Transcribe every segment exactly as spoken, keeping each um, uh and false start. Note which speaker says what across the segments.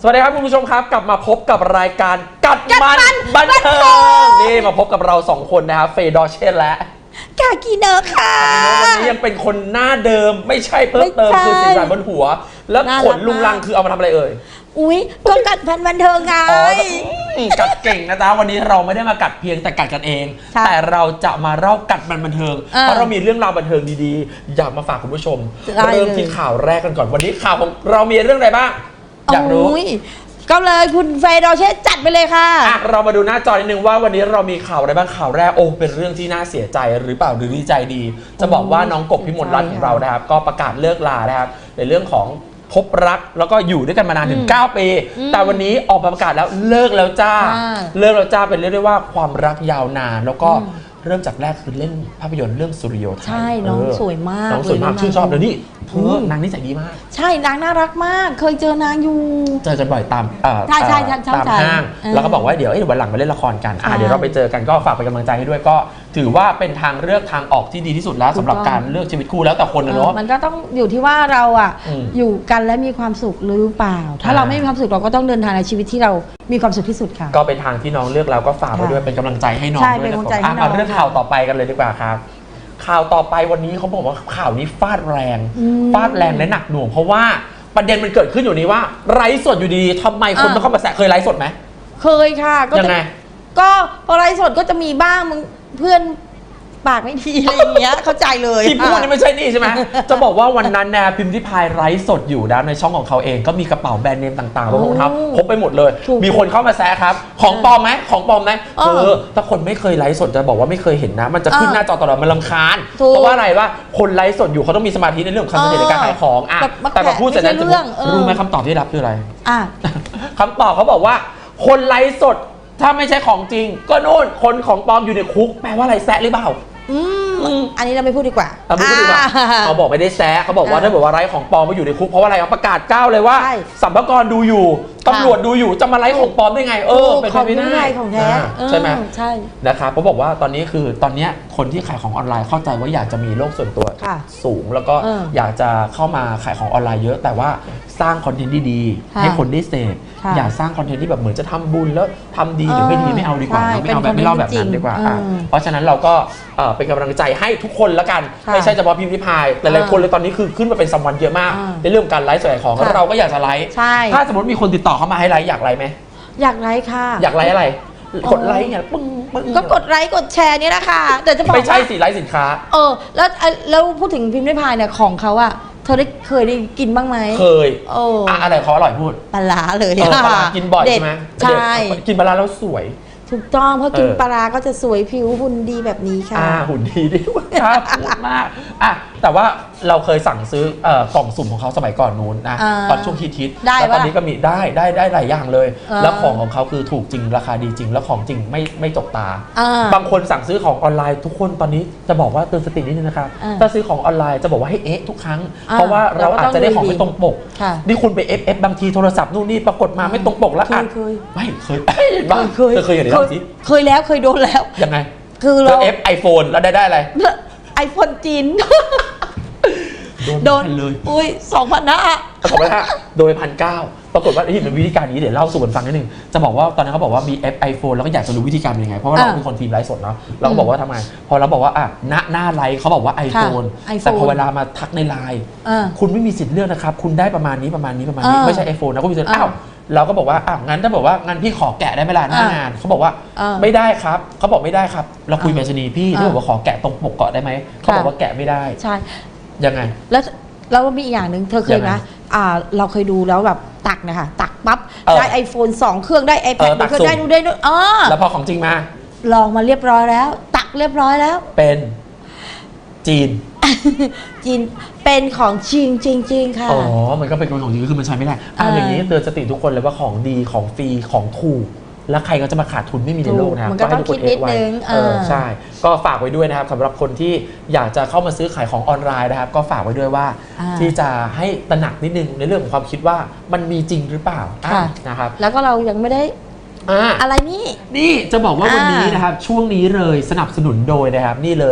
Speaker 1: วัสดีครับคุณผู้ชมครับกลับมาพบกับรายการกัดมันบันเทิงนี่มาพบกับเราสองคนนะครับเฟย์ดอเช่และ
Speaker 2: กากีเนอร์ค่ะ
Speaker 1: วันนี้ยังเป็นคนหน้าเดิมไม่ใช่เพิ่มเติมคือสีสันบนหัวแล้วขนลุงลังคือเอามาทำอะไรเอ่ย
Speaker 2: อุ้ยก็กัดพันบันเทิงไง
Speaker 1: กัดเก่งนะจ๊ะวันนี้เราไม่ได้มากัดเพียงแต่กัดกันเองแต่เราจะมาเล่ากัดมันบันเทิงเพราะเรามีเรื่องราวบันเทิงดีๆอยากมาฝากคุณผู้ชมเริ่มที่ข่าวแรกกันก่อนวันนี้ข่าวของเรามีเรื่องอะไรบ้างอยากรู้
Speaker 2: ก็เลยคุณเฟย์ดอเช่จัดไปเลยค่ะ
Speaker 1: อ่ะเรามาดูหน้าจอนิดนึงว่าวันนี้เรามีข่าวอะไรบ้างข่าวแรกโอ้เป็นเรื่องที่น่าเสียใจหรือเปล่าหรือดีใจดีจะบอกว่าน้องกบพิมลรัตน์ของเรานะครับก็ประกาศเลิกลานะครับในเรื่องของพบรักแล้วก็อยู่ด้วยกันมานานถึงเก้าปีแต่วันนี้ออกมาประกาศแล้วเลิกแล้วจ้าเลิกแล้วจ้าเป็นเรียกได้ว่าความรักยาวนานแล้วก็เริ่มจากแรกคือเล่นภาพยนตร์เรื่องสุริโยไทย
Speaker 2: ใช่น้องสวยมาก
Speaker 1: น้องสวยมากชื่นชอบเลยนี่เธอนางนิสัยดีมาก
Speaker 2: ใช่นางน่ารักมากเคยเจอนางอยู่
Speaker 1: เจอกันบ่อยตาม
Speaker 2: ใช่ใช่
Speaker 1: ตามห้างแล้วก็บอกว่าเดี๋ยววันหลังมาเล่นละครกันเดี๋ยวเราไปเจอกันก็ฝากเป็นกำลังใจให้ด้วยก็ถือว่าเป็นทางเลือกทางออกที่ดีที่สุดแล้วสำหรับการเลือกชีวิตคู่แล้วแต่คนนะเนาะ
Speaker 2: มันก็ต้องอยู่ที่ว่าเราอ่ะอยู่กันและมีความสุขหรือเปล่าถ้าเราไม่มีความสุขเราก็ต้องเดินทางในชีวิตที่เรามีความสุขที่สุดค่ะ
Speaker 1: ก็เป็นทางที่น้องเลือกเราก็ฝากไปด้วยเป็นกำลังใจให้น้องด้วยนะครับเอาเรื่องข่าวต่อไปกันเลยดีกว่าครับข่าวต่อไปวันนี้เขาบอกว่าข่าวนี้ฟาดแรงฟาดแรงและหนักหน่วงเพราะว่าประเด็นมันเกิดขึ้นอยู่นี้ว่าไลฟ์สดอยู่ดีๆทำไมคนต้องเข้ามาแซะเคยไลฟ์สดไหม
Speaker 2: เคยค่ะ
Speaker 1: ยังไง
Speaker 2: ก็พอไลฟ์สดก็จะมีบ้างมึงเพื่อนปากไม่ดีอะไรอย่างเงี้ยเข้าใจเลย
Speaker 1: ที่พูดนี่ไม่ใช่นี่ใช่ไหมจะบอกว่าวันนั้นนะพิมพ์ที่พายไลฟ์สดอยู่นะในช่องของเขาเองก็มีกระเป๋าแบรนด์เนมต่างๆรองเท้าพกไปหมดเลยมีคนเข้ามาแซะครับของปลอมไหมของปลอมไหมเออถ้าคนไม่เคยไลฟ์สดจะบอกว่าไม่เคยเห็นนะมันจะขึ้นหน้าจอตลอดมันรำคาญเพราะว่าอะไรว่าคนไลฟ์สดอยู่เขาต้องมีสมาธิในเรื่องของการในการขายของอ่ะแต่พอพูดเสร็จนั้นรู้ไหมคำตอบที่รับคืออะไรคำตอบเขาบอกว่าคนไลฟ์สดถ้าไม่ใช่ของจริงก็โน่นคนของปลอมอยู่ในคุกแปลว่าอะไรแซะหรือเปล่า
Speaker 2: อืมอันนี้เราไม่พูดดีกว่า
Speaker 1: เราไม่พูดดีกว่าเขาบอกไม่ได้แซะเขาบอกว่าถ้าบอกว่าไร้ของปลอมมาอยู่ในคุกเพราะว่าอะไรเขาประกาศก้าวเลยว่าสัมภาระดูอยู่ตำรวจดูอยู่จะมาไร้ของปลอมได้ไงเออเป็นไปไม่ได้
Speaker 2: ของแท้
Speaker 1: ใช่ไหม
Speaker 2: ใช่
Speaker 1: นะครับเขาบอกว่าตอนนี้คือตอนนี้คนที่ขายของออนไลน์เข้าใจว่าอยากจะมีโลกส่วนตัวสูงแล้วก็อยากจะเข้ามาขายของออนไลน์เยอะแต่ว่าสร้างคอนเทนต์ดีๆให้คนได้เสพอย่าสร้างคอนเทนต์ที่แบบเหมือนจะทำบุญแล้วทำดีหรือไม่ดีไม่เอาดีกว่าไม่เอาแบบไม่เล่าแบบนั้นดีกว่าเพราะฉะนั้นเราก็เป็นกำลังใจให้ทุกคนละกันไม่ใช่เฉพาะพิมพ์ริพายแต่หลายคนเลยตอนนี้คือขึ้นมาเป็นซัมวันเยอะมากในเรื่องการไลฟ์ขายของเราก็อยากจะไลฟ์ถ้าสมมติมีคนติดต่อเข้ามาให้ไลฟ์อยากไลฟ์ไหม
Speaker 2: อยากไลฟ์ค่ะ
Speaker 1: อยากไลฟ์อะไรกดไลค์เนี่ยปึ้งปึ้ง
Speaker 2: ก็กดไลค์กดแชร์นี่แหละค่ะแต่จะบอก
Speaker 1: ไม่ใช่สิไลฟ์สินค้า
Speaker 2: เออแล้วแล้วพูดถึงพิมพ์ริพายเนี่ยของเขาอะเธอได้เคยได้กินบ้างไหม
Speaker 1: เคยโอ้อะไรเขาอร่อยพูด
Speaker 2: ปลาเลย
Speaker 1: ปลากินบ่อยใช่ไหม
Speaker 2: ใช่
Speaker 1: กินปลาแล้วสวย
Speaker 2: ถูกต้องเพราะกินปลาก็จะสวยผิวหุ่นดีแบบนี้ค่ะ
Speaker 1: อ่าหุ่นดีด้วยครับพูดมากอ่ะแต่ว่าเราเคยสั่งซื้อกล่องสุ่มของเขาสมัยก่อนนู้นนะตอนช่วงฮิตๆแล้วตอนนี้ก็มีได้ได้ได้หลายอย่างเลยแล้วของของเขาคือถูกจริงราคาดีจริงแล้วของจริงไม่ไม่จกตาบางคนสั่งซื้อของออนไลน์ทุกคนตอนนี้จะบอกว่าเตือนสตินิดนึงนะครับถ้าซื้อของออนไลน์จะบอกว่าให้เอ๊ะทุกครั้งเพราะว่าเราอาจจะได้ของไม่ตรงปกนี่คุณไปเอฟเอฟบางทีโทรศัพท์นู่นนี่ปรากฏมาไม่ตรงปกแล้วอ่ะไม่เคยบ้างเคยเคยอย่างนี้สิ
Speaker 2: เคยแล้วเคยโดนแล้ว
Speaker 1: ยังไง
Speaker 2: คือ
Speaker 1: เราเอฟไอโฟนแล้วได้ได้อะไร
Speaker 2: ไอโฟนจีน
Speaker 1: โดนเลย
Speaker 2: อุ้ยสองพันห้า
Speaker 1: สองพันห้าโดยพันเก้าปรากฏว่าที่เป็นวิธีการนี้เดี๋ยวเล่าสู่กันฟังนิดนึงจะบอกว่าตอนนั้นเขาบอกว่ามีเอฟไอโฟนแล้วก็อยากจะรู้วิธีการเป็นยังไงเพราะว่าเราเป็นคนทีมไลฟ์สดเนาะเราก็บอกว่าทำไงพอเราบอกว่าอ่ะหน้าหน้าไลฟ์เขาบอกว่าไอโฟนแต่พอเวลามาทักในไลน์คุณไม่มีสิทธิ์เลือกนะครับคุณได้ประมาณนี้ประมาณนี้ประมาณนี้ไม่ใช่ไอโฟนนะคุณมีสิทธิ์อ้าวเราก็บอกว่าอ่ะงั้นถ้าบอกว่างั้นพี่ขอแกะได้ไหมล่ะหน้างานเขาบอกว่าไม่ได้ครับเขาบอกไม่ได้ครับเราคุยเมชนีพี่ที่บอกว่าขอแกะตรงปกเกาะได้ไหมเขาบอกว่าแกะไม่ได้
Speaker 2: ใช่
Speaker 1: ยังไง
Speaker 2: แล้วแล้วมีอีกอย่างหนึ่งเธอเคยไหมอ่าเราเคยดูแล้วแบบตักนะคะตักปั๊บได้ไอโฟนสองเครื่องได้ ไอแพด เครื่องได้ดูได้ด้วยอ๋อ
Speaker 1: แล้วพอของจริงมา
Speaker 2: ลองมาเรียบร้อยแล้วตักเรียบร้อยแล้ว
Speaker 1: เป็นจีน
Speaker 2: จีนเป็นของจริงจริงจริงค่ะ
Speaker 1: อ๋อมันก็เป็นของจริงคือมันใช้ไม่ได้อ่าอย่างนี้เตือนสติทุกคนเลยว่าของดีของฟรีของถูกแล้วใครก็จะมาขาดทุนไม่มีในโลกนะครับ
Speaker 2: ก็ให้ทุกคนเอฟไว้
Speaker 1: เออใช่ก็ฝากไว้ด้วยนะครับสำหรับคนที่อยากจะเข้ามาซื้อขายของออนไลน์นะครับก็ฝากไว้ด้วยว่าที่จะให้ตระหนักนิดนึงในเรื่องของความคิดว่ามันมีจริงหรือเปล่านะครับ
Speaker 2: แล้วก็เรายังไม่ได้อะไรนี่
Speaker 1: นี่จะบอกว่าวันนี้นะครับช่วงนี้เลยสนับสนุนโดยนะครับนี่เลย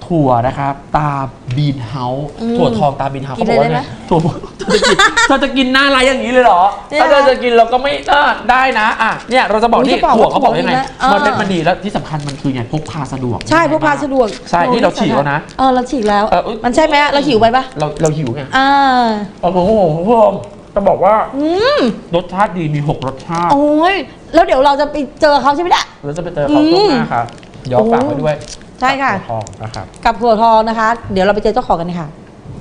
Speaker 1: ถั่วนะครับตาบีนเฮาส์
Speaker 2: อืม
Speaker 1: ถั่วทองตาบีนเฮาส์
Speaker 2: กิน
Speaker 1: เขาบอกว่า
Speaker 2: เลยได้
Speaker 1: ไง
Speaker 2: ไหม
Speaker 1: ถั่วเธอจะกินเธอจะกินหน้าไรอย่างนี้เลยเหรอ
Speaker 2: เนี่ย
Speaker 1: ถ้าเธอจะกินเราก็ไม่ได้ได้นะอ่ะเนี่ยเราจะบอก
Speaker 2: อุ๊ย
Speaker 1: ที่
Speaker 2: จะบอก
Speaker 1: ถั่วเขาบอกว่ายังไง
Speaker 2: ว่าถั่วดีนะ
Speaker 1: มันเป็นมันดีแล้วที่สำคัญมันคือไงพกพาสะดวก
Speaker 2: ใช่พวกพาสะดวก
Speaker 1: ใช่นี่เราฉีกแล้วนะ
Speaker 2: เออเราฉีกแล้ว
Speaker 1: เอออุ๊ย
Speaker 2: มันใช่ไหมเราหิวไปปะ
Speaker 1: เราเราหิวไง
Speaker 2: อ่า
Speaker 1: โอ้โหคุณผู้ชมจะบอกว่า
Speaker 2: อืม
Speaker 1: รสชาติดีมีหกรสชาติ
Speaker 2: โอ้ยแล้วเดี๋ยวเราจะไปเจอเขาใช่ไหมเนี่ย
Speaker 1: แล้วจะไปเจอเขาช่วงหน้าครับย้อนฝากไว้ด้วย
Speaker 2: ใช่ค่ะ
Speaker 1: ทองนะครับ
Speaker 2: กับถั่วทองนะคะ เดี๋ยวเราไปเจอเจ้าของกันค่ะ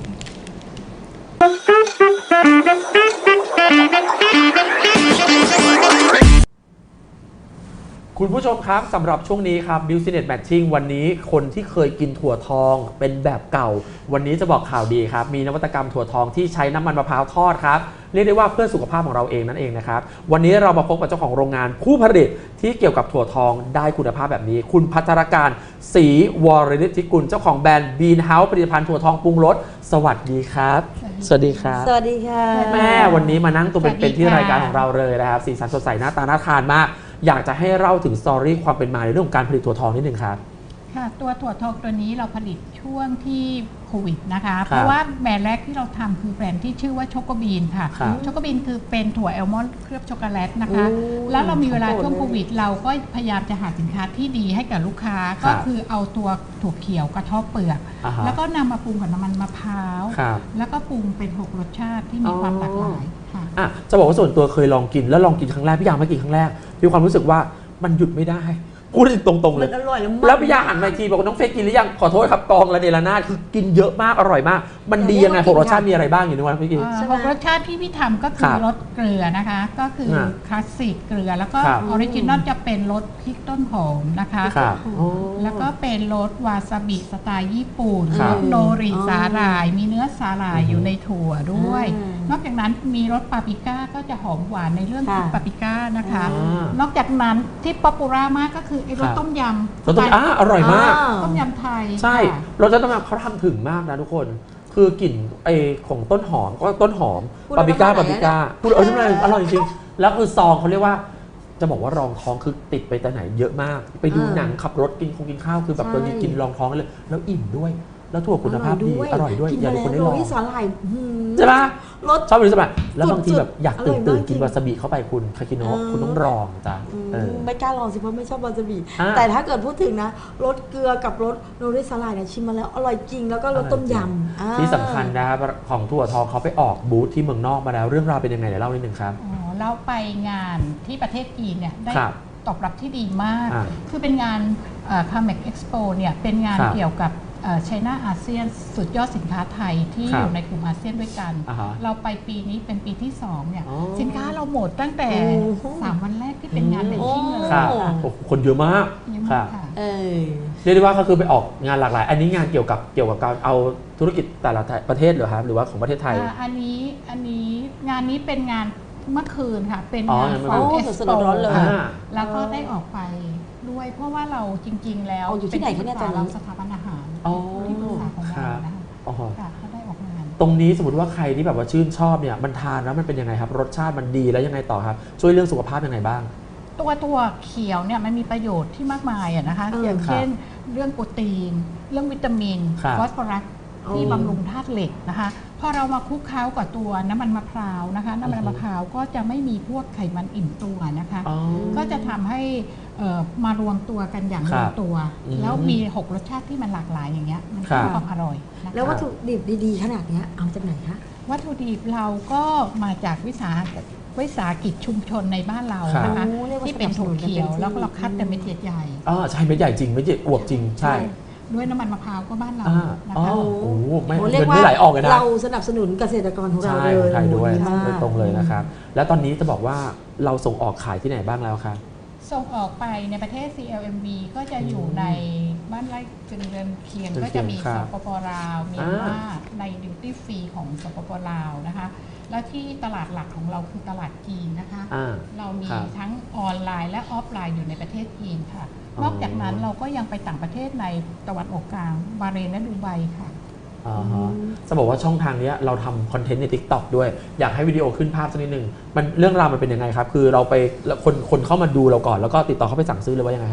Speaker 1: คุณผู้ชมครับสำหรับช่วงนี้ครับ Business Matching วันนี้คนที่เคยกินถั่วทองเป็นแบบเก่า วันนี้จะบอกข่าวดีครับ มีนวัตกรรมถั่วทองที่ใช้น้ำมันมะพร้าวทอดครับ เรียกได้ว่าเพื่อสุขภาพของเราเองนั่นเองนะครับ วันนี้เรามาพบกับเจ้าของโรงงานผู้ผลิตที่เกี่ยวกับถั่วทองได้คุณภาพแบบนี้ คุณพัชรการศรีวรฤทธิกุลเจ้าของแบรนด์ Bean House ผลิตภัณฑ์ถั่วทองปรุงรสสวัสดีครับ สวัสดีครับ
Speaker 2: สวัสดีค่ะ
Speaker 1: แม่วันนี้มานั่งตัว
Speaker 3: สวัสดี
Speaker 1: เป็นๆที่
Speaker 3: ค่ะ
Speaker 1: รายการของเราเลยนะครับสีสันสดใสหน้าตาน่าทานมาก อยากจะให้เล่าถึงสตอรี่ความเป็นมาในเรื่องของการผลิตถั่วทองนิดนึงครับ
Speaker 3: ค่ะตัวถั่วทองตัวนี้เราผลิตช่วงที่โควิดนะคะ
Speaker 1: ครับ
Speaker 3: เพราะว่าแบรนด์แรกที่เราทำคือแบรนด์ที่ชื่อว่าช็อกโกบีนค่ะ
Speaker 1: ครับ
Speaker 3: ช็อกโกบีนคือเป็นถั่วแอลมอนด์เคลือบช็อกโกแลตนะคะ
Speaker 2: โอ้ย
Speaker 3: แล้วเรามีเวลา
Speaker 2: ของโปรด
Speaker 3: ช่วง
Speaker 2: เลย
Speaker 3: โควิด เราก็พยายามจะหาสินค้าที่ดีให้กับลูกค้า
Speaker 1: ครั
Speaker 3: ก็
Speaker 1: บ
Speaker 3: คือเอาตัวถั่วเขียวกระเทาะเปลือก
Speaker 1: อ่าฮะ
Speaker 3: แล้วก็นำมาปรุงกับน้ำมันมะพร้าว
Speaker 1: ครับ
Speaker 3: แล้วก็ปรุงเป็นหกรสชาติที่มีความหลากหลายค่ะ
Speaker 1: อ่ะจะบอกว่าส่วนตัวเคยลองกินแล้วลองกินครั้งแรกพี่ยางไม่กินครั้งแรกมีความรู้สึกว่ามันหยุดไม่ได้พูดตรงๆเล
Speaker 2: มั
Speaker 1: ย
Speaker 2: นอร่อยแล้ว
Speaker 1: แล้วพี่ยาหันมาอีกทีบอกว่าน้องเฟยกินหรือยังขอโทษครับกองระเนระนาดคือกินเยอะมากอร่อยมาก มันดียังไงหกรสชาติมีอะไรบ้างอยู่ในวันพี่กิน
Speaker 3: อ่า
Speaker 2: ใช่ไหม
Speaker 3: หกรสชาติที่พี่ทำก็คื
Speaker 1: ครั
Speaker 3: อบ รสเกลือนะคะ ก็คืออา คลาสสิกเกลือ แล้วก็
Speaker 1: ครับ
Speaker 3: ออริจินอลจะเป็นรสพริกต้นหอมนะคะ
Speaker 1: ครับ
Speaker 3: แล้วก็เป็นรสวาซาบิสไตล์ญี่ปุ่น
Speaker 1: ครับ
Speaker 3: รสโนริ
Speaker 2: อ๋อ
Speaker 3: สาหร่าย มีเนื้อสาหร่าย
Speaker 1: อือฮึ
Speaker 3: อยู่ในถั่วด้วย
Speaker 2: อ่าน
Speaker 3: อกจากนั้นมีรสปาปริก้าก็จะหอมหวานในเรื่อง
Speaker 2: ค่ะ
Speaker 3: ของปาปริก้านะคะ
Speaker 1: อ่าน
Speaker 3: อกจากนั้นที่ป๊อปปูล่ามากก็คือไอ้รส
Speaker 1: ครับ
Speaker 3: ต้มยำ
Speaker 1: รสต้มอ่ะอร่อยมาก
Speaker 2: อ่า
Speaker 3: ต้มยำไทย
Speaker 1: ใช่
Speaker 3: ค่ะ
Speaker 1: รสชาติต้มยำเขาทำถึงมากนะทุกคน คือกลิ่นไอของต้นหอมก็ต้นหอม
Speaker 2: พูด
Speaker 1: ปาปริก้า
Speaker 2: แล้ว
Speaker 1: ปาปริก้าพูดเออใช่ไหมอร่อยจริงๆแล้วคือซองเขาเรียกว่า จะบอกว่ารองท้องคือติดไปแต่ไหนเยอะมาก ไปดู
Speaker 2: อ่า
Speaker 1: หนังขับรถกินคงกินข้าวคือแบบ
Speaker 2: ใช่
Speaker 1: ตัวนี้กินรองท้องเลย แล้วอิ่มด้วย แล้วถั่วคุณภาพดีอร่อยด้วย
Speaker 2: กิน
Speaker 1: อยาก
Speaker 2: มา
Speaker 1: ให้คน
Speaker 2: แล้
Speaker 1: ได้
Speaker 2: ว
Speaker 1: ลอง
Speaker 2: โรยสาหร่ายอื้อหือ
Speaker 1: ใช่ปะ
Speaker 2: รส
Speaker 1: ชอบเป็นสมัยแล้วบางที
Speaker 2: สุดๆ
Speaker 1: แบบอยากตื่น
Speaker 2: อร่อยมาก
Speaker 1: ตื่นกิน
Speaker 2: จริง
Speaker 1: วาซาบิเข้าไปคุณคากิโนะ
Speaker 2: เออ
Speaker 1: คุณต้องลองจ้ะ
Speaker 2: อืม
Speaker 1: เออ
Speaker 2: ไม่กล้าลองสิเพราะไม่ชอบวาซาบิ
Speaker 1: อ่า
Speaker 2: แต่ถ้าเกิดพูดถึงนะรสเกลือกับรสโรยสาหร่ายเนี่ยชิมมาแล้วอร่อยจริงแล้วก็รสต้มยำอ่า
Speaker 1: ที่สำคัญนะครับของถั่วทองเขาไปออกบูธที่เมืองนอกมาแล้วเรื่องราวเป็นยังไงเดี๋ยวเล่านิดนึงครับ
Speaker 3: อ๋อเราไปงานที่ประเทศจีนเนี่ยได้
Speaker 1: ครับ
Speaker 3: ตอบรับที่ดีมาก
Speaker 1: อ่า
Speaker 3: คือเป็นงานคาเมกเอ็กซ์โปเนี่ยเป็นงาน
Speaker 1: ครับ
Speaker 3: เกี่ยวกับไชน่าอาเซียนสุดยอดสินค้าไทยที่
Speaker 1: ครับ
Speaker 3: อยู่ในกลุ่มอาเซียนด้วยกัน
Speaker 1: อ่าฮะ
Speaker 3: เราไปปีนี้เป็นปีที่สองเนี่ย
Speaker 1: อ๋อ
Speaker 3: สินค้าเราหมดตั้งแต่
Speaker 2: โอ้โห
Speaker 3: สามวันแรกที่เป็นงานเดนชิ่งเลย
Speaker 1: ครับ
Speaker 3: ค่ะ
Speaker 1: โอ้โหคนเยอะมาก
Speaker 3: เยอะ
Speaker 1: ค
Speaker 3: มา
Speaker 1: รั
Speaker 3: ก
Speaker 1: บ
Speaker 3: ค่ะ
Speaker 2: เออ
Speaker 1: เรียกได้ว่าก็คือไปออกงานหลากหลาย อันนี้งานเกี่ยวกับเกี่ยวกับการเอาธุรกิจแต่ละประเทศเหรอครับหรือว่าของประเทศไทย
Speaker 3: อ่าอันนี้อันนี้งานนี้เป็นงานเมื่อคืนค่ะ เป็น
Speaker 1: อ๋อง
Speaker 3: าน
Speaker 1: ยังไม่
Speaker 3: ฟอร์
Speaker 2: โอ้
Speaker 3: เอ็กซ์
Speaker 2: สด
Speaker 3: โป
Speaker 2: ๆร้อนๆเลย
Speaker 1: อ่า
Speaker 3: แล้วก็ได้ออกไปด้วยเพราะว่าเราจริง ๆ แล้ว
Speaker 2: เอาอยู่ที่ไหนคะเนี่ย
Speaker 3: ป็
Speaker 2: ตอนนี้
Speaker 3: เราสถาบันอาหาร
Speaker 1: อ๋อ
Speaker 3: ที่ปรึกษาของ
Speaker 1: ครั
Speaker 3: เรา
Speaker 1: บ
Speaker 3: นะคะ
Speaker 1: อ๋อ
Speaker 3: ค่ะเขาได้ออกงาน
Speaker 1: ตรงนี้สมมติว่าใครที่แบบว่าชื่นชอบเนี่ยมันทานแล้วมันเป็นยังไงครับ รสชาติมันดีแล้วยังไงต่อครับ ช่วยเรื่องสุขภาพยังไงบ้าง
Speaker 3: ตัวตัวเขียวเนี่ยมันมีประโยชน์ที่มากมายอะนะคะ
Speaker 2: เออ
Speaker 3: อย่างเช่นเรื่องโปรตีน เรื่องวิตามิน
Speaker 1: ครับ
Speaker 3: ฟอสฟอรัสที่
Speaker 1: อืม
Speaker 3: บำรุงธาตุเหล็กนะคะพอเรามาคลุกเคล้ากับตัวน้ำมันมะพร้าวนะคะน้ำมัน
Speaker 1: อือฮึ
Speaker 3: มะพร้าวก็จะไม่มีพวกไขมันอิ่มตัวนะคะ
Speaker 1: อ๋อ
Speaker 3: ก็จะทำให้เอ่อมารวมตัวกันอย่าง
Speaker 1: ค
Speaker 3: ล
Speaker 1: รั
Speaker 3: ง
Speaker 1: บ
Speaker 3: ตัว
Speaker 1: อืม
Speaker 3: แล้วมีหกรสชาติที่มันหลากหลายอย่างเงี้ยมัน
Speaker 1: ครั
Speaker 3: ก็
Speaker 1: บ
Speaker 3: ความอร่อยนะคะ
Speaker 2: แล้ววัตถุดิบดีๆ ขนาดเนี้ยเอาจากไหนคะ
Speaker 3: วัตถุดิบเราก็มาจากวิสาหวิสาหกิจชุมชนในบ้านเรา
Speaker 1: ครับ
Speaker 3: นะคะ
Speaker 2: โอ้เรียกว่า
Speaker 3: ที่เป็นถั่วเขียว
Speaker 2: สนับสนุนกันเต็มที่
Speaker 3: แล้วก็เราคัดแต่เม็ดใหญ่
Speaker 1: อ๋อใช่เม็ดใหญ่จริงเม็ดใหญ่อวบจริงใช่
Speaker 3: ๆด้วยน้ำมันมะพร้าวก็บ้านเรา
Speaker 1: อ่า
Speaker 3: นะ
Speaker 1: อ๋อ
Speaker 3: คะ
Speaker 1: โอ้โหไม่
Speaker 2: โอ้
Speaker 1: เงิ
Speaker 2: เรียก
Speaker 1: น
Speaker 2: ว่า
Speaker 1: ไม่ไหลออกเลยนะ
Speaker 2: เราสนับสนุนเกษตรกรของเรา
Speaker 1: ใช่
Speaker 2: เล
Speaker 1: ข
Speaker 2: ย
Speaker 1: องไทยด้วย
Speaker 2: โอ้ดีมาก
Speaker 1: โดยตรงเลยนะครับ แล้วตอนนี้จะบอกว่าเราส่งออกขายที่ไหนบ้างแล้วครับ
Speaker 3: ส่งออกไปในประเทศ ซี แอล เอ็ม วี ก็จะอยู่ในบ้านไร่จึงเรือนเคียง
Speaker 1: เรือน
Speaker 3: ก็จะมี
Speaker 1: เคียงครั
Speaker 3: ส
Speaker 1: บ
Speaker 3: ปปลาวเมียนมาในดิวตี้ฟรีของสปปลาวนะคะ แล้วที่ตลาดหลักของเราคือตลาดจีนนะคะ
Speaker 1: อ่า
Speaker 3: เรามี
Speaker 1: ครับ
Speaker 3: ทั้งออนไลน์และออฟไลน์อยู่ในประเทศจีนค่ะ
Speaker 1: อ๋อน
Speaker 3: อกจากนั้นเราก็ยังไปต่างประเทศในตะวันออกกลางบาห์เรนและดูไบค่ะ
Speaker 1: อ่าฮะจะบอกว่าช่องทางเนี้ยเราทำคอนเทนต์ใน TikTok ด้วย อยากให้วิดีโอขึ้นภาพสักนิดนึงมันเรื่องราวมันเป็นยังไงครับ คือเราไปแล้วคนคนเข้ามาดูเราก่อนแล้วก็ติดต่อเข้าไปสั่งซื้อเลยว่ายังไงครับ
Speaker 3: คื